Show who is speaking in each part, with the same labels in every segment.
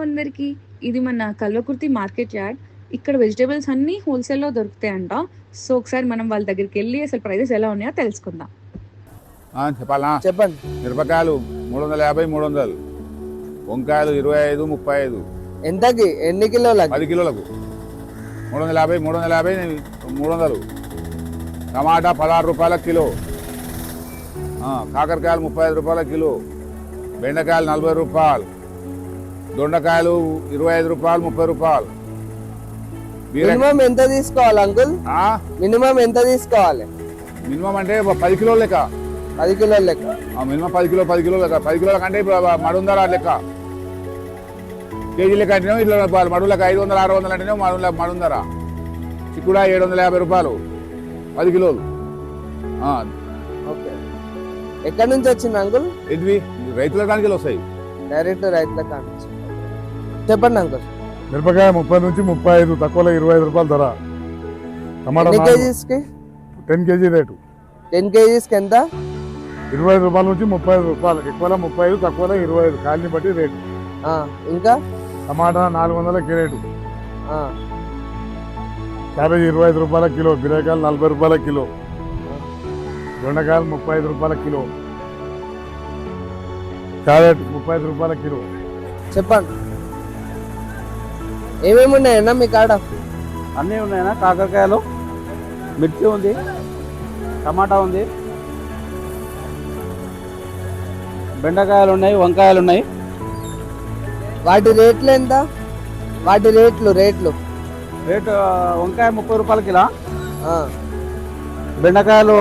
Speaker 1: అందరికి. ఇది మన కల్వకుర్తి మార్కెట్ యార్డ్. ఇక్కడ వెజిటేబుల్స్ అన్నీ హోల్సేల్లో దొరుకుతాయంట. సో ఒకసారి మనం వాళ్ళ దగ్గరికి వెళ్ళి అసలు ప్రైజెస్ ఎలా ఉన్నాయో తెలుసుకుందాం.
Speaker 2: చెప్పాలా?
Speaker 3: చెప్పండి.
Speaker 2: మిరపకాయలు 350, 300. వంకాయలు 25, 35.
Speaker 3: ఎంతకి ఎన్ని కిలోలకి?
Speaker 2: 10 కిలోలకు 350, 350, 300. టమాటా 16 రూపాయల కిలో. కాకరకాయలు 35 రూపాయల కిలో. బెండకాయలు 40 రూపాయలు. దొండకాయలు 25 రూపాయలు, 30 రూపాయలు.
Speaker 3: మినిమం ఎంత తీసుకోవాలి అంకుల్? మినిమం ఎంత తీసుకోవాలి?
Speaker 2: మినిమం అంటే 10 కిలోల లెక్క.
Speaker 3: 10 కిలోల లెక్క.
Speaker 2: మినిమం 10 కిలో లెక్క. 10 కిలోల కంటే ఇప్పుడు మడుందర లెక్క. కేజీ లెక్క అంటేనే ఇట్లా మడులకు 500, 600 అంటేనే మడుందర. చిక్కుడ 750 రూపాయలు 10 కిలోలు.
Speaker 3: ఓకే. ఎక్కడి నుంచి వచ్చింది అంకుల్?
Speaker 2: ఇవి రైతుల కానికి వస్తాయి.
Speaker 3: డైరెక్ట్ రైతుల కానికి. చెప్పండి అంకుల్.
Speaker 4: మిరపకాయ 30 నుంచి 35, తక్కువలో 25 రూపాయలు ధర. టమాటా 10 కేజీ రేటు.
Speaker 3: 10 కేజీస్కి ఎంత?
Speaker 4: 25 రూపాయల నుంచి 35 రూపాయలు. ఎక్కువలో 35, తక్కువలో 25. కాయని బట్టి రేటు.
Speaker 3: ఇంకా
Speaker 4: టమాటా 400 రేటు. క్యాబేజీ 25 రూపాయల కిలో. బీరకాయలు 40 రూపాయల కిలో. దొండకాయలు 35 రూపాయల కిలో. క్యారెట్ 35 రూపాయల కిలో.
Speaker 3: చెప్పండి. ఏమేమి ఉన్నాయన్నా మీ కాడ?
Speaker 5: అన్నీ ఉన్నాయన్నా. కాకరకాయలు, మిర్చి ఉంది, టమాటా ఉంది, బెండకాయలు ఉన్నాయి, వంకాయలు ఉన్నాయి.
Speaker 3: వాటి రేట్లు ఎంత? వాటి రేట్లు
Speaker 5: రేటు వంకాయ 30 రూపాయల కిలో. బెండకాయలు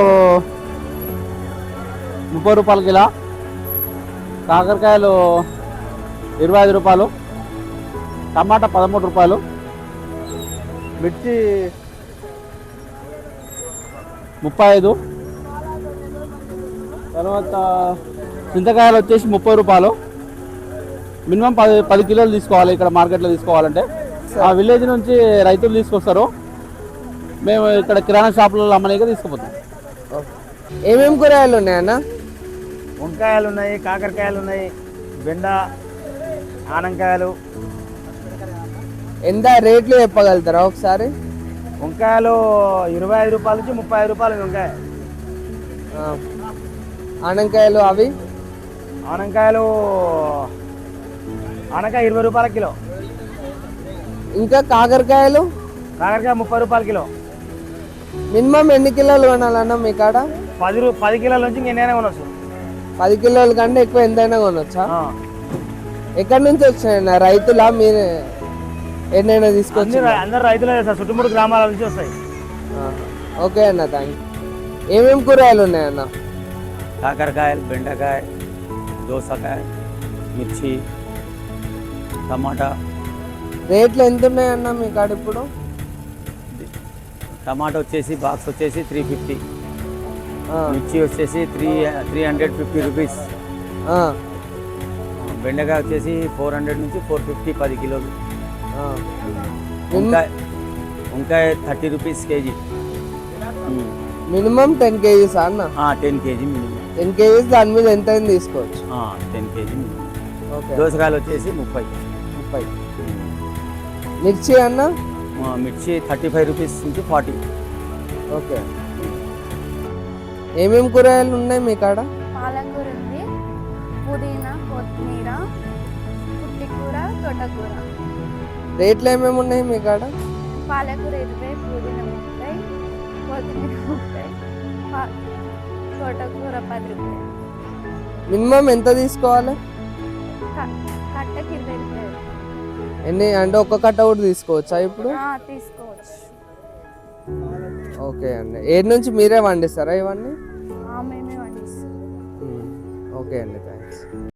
Speaker 5: 30 రూపాయల కిలో. కాకరకాయలు 25 రూపాయలు. టమాటా 13 రూపాయలు. మిర్చి 35. తర్వాత చింతకాయలు వచ్చేసి 30 రూపాయలు. మినిమం 10 కిలోలు తీసుకోవాలి ఇక్కడ మార్కెట్లో తీసుకోవాలంటే. ఆ విలేజ్ నుంచి రైతులు తీసుకొస్తారు. మేము ఇక్కడ కిరాణా షాపులలో అమ్మలేక తీసుకుపోతాం.
Speaker 3: ఏమేమి కూరగాయలు ఉన్నాయన్నా?
Speaker 5: వంకాయలు ఉన్నాయి, కాకరకాయలు ఉన్నాయి, బెండ, ఆనంకాయలు.
Speaker 3: ఎంత రేట్లు చెప్పగలుగుతారా ఒకసారి?
Speaker 5: వంకాయలు 25 రూపాయల నుంచి 35 రూపాయలు వంకాయ.
Speaker 3: ఆనంకాయలు అవి?
Speaker 5: ఆనంకాయ 20 రూపాయల కిలో.
Speaker 3: ఇంకా కాకరకాయలు?
Speaker 5: కాకరకాయ 30 రూపాయల కిలో.
Speaker 3: మినిమం ఎన్ని కిలోలు కొనాలన్నా మీ కాడ?
Speaker 5: 10 కిలోల నుంచి ఎన్నైనా కొనవచ్చు.
Speaker 3: 10 కిలోల కంటే ఎక్కువ ఎంతైనా కొనొచ్చా? ఎక్కడి నుంచి వచ్చాయన్నా? రైతులా మీరు ఎన్నైనా తీసుకొచ్చి?
Speaker 5: అందరు రైతులే సార్, చుట్టుముట్టు గ్రామాల నుంచి వస్తాయి.
Speaker 3: ఓకే అన్న, థ్యాంక్ యూ. ఏమేమి కూరగాయలు ఉన్నాయన్న?
Speaker 5: కాకరకాయలు, బెండకాయ, దోసకాయ, మిర్చి, టమాటా.
Speaker 3: రేట్లు ఎంత ఉన్నాయన్న మీ కాడ ఇప్పుడు?
Speaker 5: టమాటా వచ్చేసి బాక్స్ వచ్చేసి 350. మిర్చి వచ్చేసి 350 రూపీస్. బెండకాయ వచ్చేసి 400 నుంచి 450 10 కిలోలు. వంకాయ 30 రూపీస్ కేజీ.
Speaker 3: మినిమం 10 కేజీస్ అన్న?
Speaker 5: 10 కేజీ మినిమం.
Speaker 3: 10 కేజీస్ దాని మీద ఎంత తీసుకోవచ్చు?
Speaker 5: 10 కేజీ మినిమం. దోసకాయలు వచ్చేసి 30.
Speaker 3: మిర్చి అన్న?
Speaker 5: మిర్చి 35 రూపీస్ నుంచి 40.
Speaker 3: ఓకే. ఏమేమి కూరగాయలు ఉన్నాయి మీ కాడ?
Speaker 6: పాలకూర ఉంది, పుదీనా, కొత్తిమీర, పుట్టికూర, తోటకూర.
Speaker 3: రేట్లు ఏమేమి ఉన్నాయి మీ కాడ?
Speaker 6: పాలకూర 20, పుదీనా 30, కొత్తిమీర 30, తోటకూర 10 రూపాయలు.
Speaker 3: మినిమం ఎంత తీసుకోవాలి?
Speaker 6: కట్టకి 20 రూపాయలు.
Speaker 3: ఎన్ని అంటే ఒక్క కట్ట కూడా తీసుకోవచ్చా ఇప్పుడు?
Speaker 6: తీసుకోవచ్చు.
Speaker 3: ఓకే అండి. ఏడు నుంచి మీరే వండిస్తారా ఇవన్నీ?
Speaker 6: మేమే వండిస్తాం.
Speaker 3: ఓకే అండి, థ్యాంక్స్.